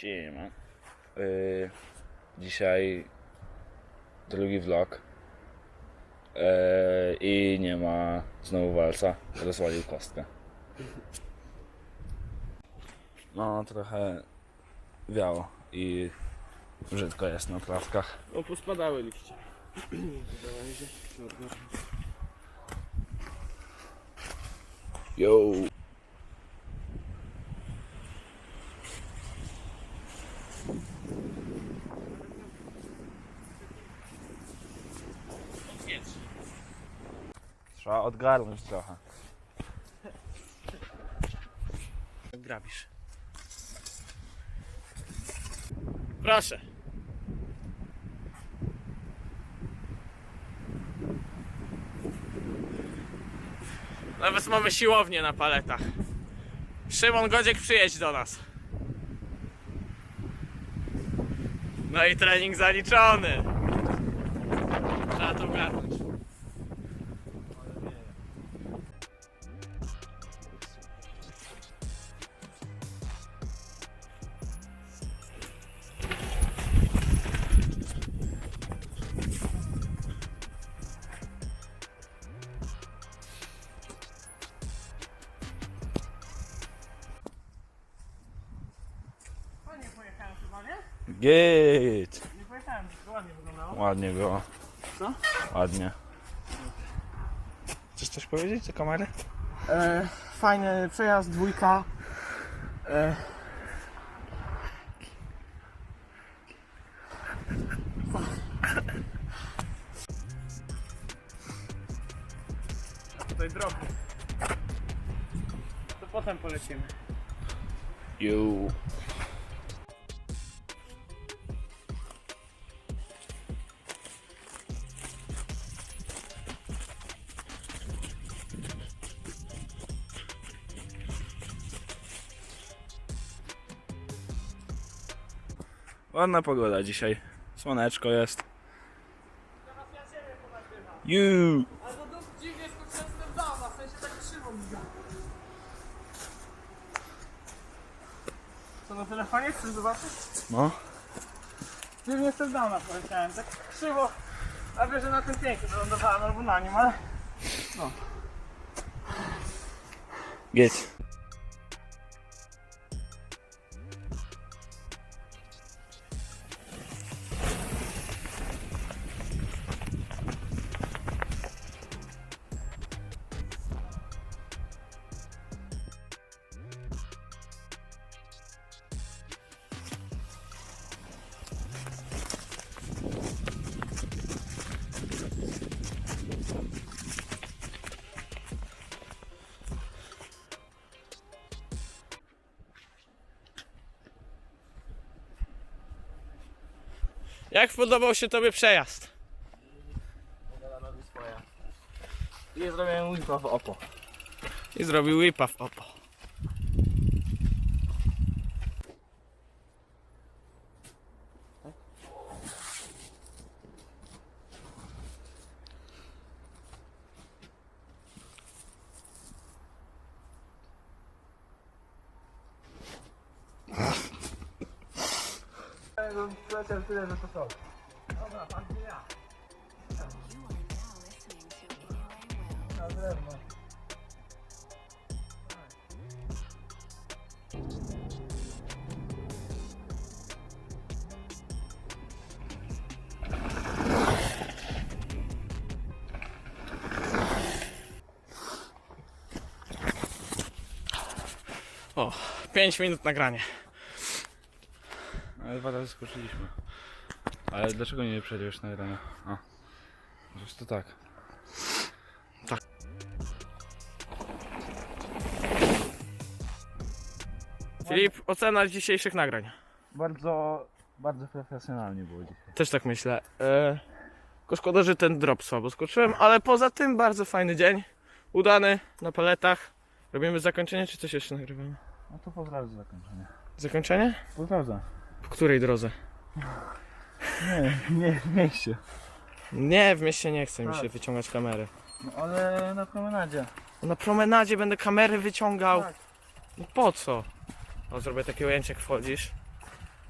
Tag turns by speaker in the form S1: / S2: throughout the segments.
S1: Siema. Dzisiaj drugi vlog i nie ma znowu walca, rozwalił kostkę. No trochę wiało i brzydko jest na trawkach.
S2: No pospadały liście.
S1: Yo. Trzeba odgarnąć trochę.
S2: Grabisz. Proszę. Nawet mamy siłownię na paletach. Szymon Godziek, przyjedź do nas. No i trening zaliczony. Trzeba to ogarnąć. Nie pojechałem chyba, nie?
S1: Git!
S2: Nie pojechałem, to ładnie wyglądało.
S1: Ładnie było.
S2: Co?
S1: Ładnie. Chcesz coś powiedzieć do kamery?
S2: Fajny przejazd, dwójka. A tutaj drobny. To potem polecimy.
S1: Yo. Ładna pogoda dzisiaj. Słoneczko jest.
S2: Teraz ja ciebie ponagrywam.
S1: You.
S2: Ale to dziwnie skoczyłem z downa, w sensie tak krzywo mi. Co na telefonie? Chcesz zobaczyć?
S1: No.
S2: Dziwnie z downa poleciałem, tak krzywo. A wiesz, że na tym pięknie wylądowałem albo na nim, ale... No.
S1: Git.
S2: Jak podobał się tobie przejazd?
S3: I zrobiłem whipa w oko.
S2: I zrobił whipa w opo.
S3: Leciał tyle, że to są.
S2: Dobra, pan gdzie ja?
S3: Na drewno.
S2: O, 5 minut nagrania.
S1: Ale 2 razy skoczyliśmy. Ale dlaczego nie przejdziesz na rano? A. Po prostu tak.
S2: Filip, ocena dzisiejszych nagrań.
S1: Bardzo profesjonalnie było dzisiaj.
S2: Też tak myślę. Tylko szkoda, że ten drop słabo skoczyłem, ale poza tym bardzo fajny dzień. Udany, na paletach. Robimy zakończenie, czy coś jeszcze nagrywamy?
S1: No to pozdrawiam za zakończenie.
S2: Zakończenie?
S1: Pozdrawiam.
S2: W której drodze?
S1: Nie w mieście.
S2: Nie, w mieście nie chce mi się
S1: Tak.
S2: wyciągać kamery.
S1: No ale na promenadzie.
S2: Na promenadzie będę kamery wyciągał.
S1: Tak.
S2: No po co? O, zrobię takie ujęcie, jak wchodzisz.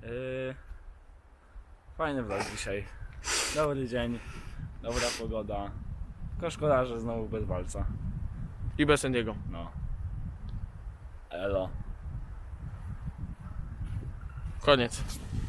S1: Fajny vlog dzisiaj. Dobry dzień, dobra pogoda. Tylko szkoda, że znowu bez walca.
S2: I bez Andiego.
S1: No. Elo.
S2: Koniec.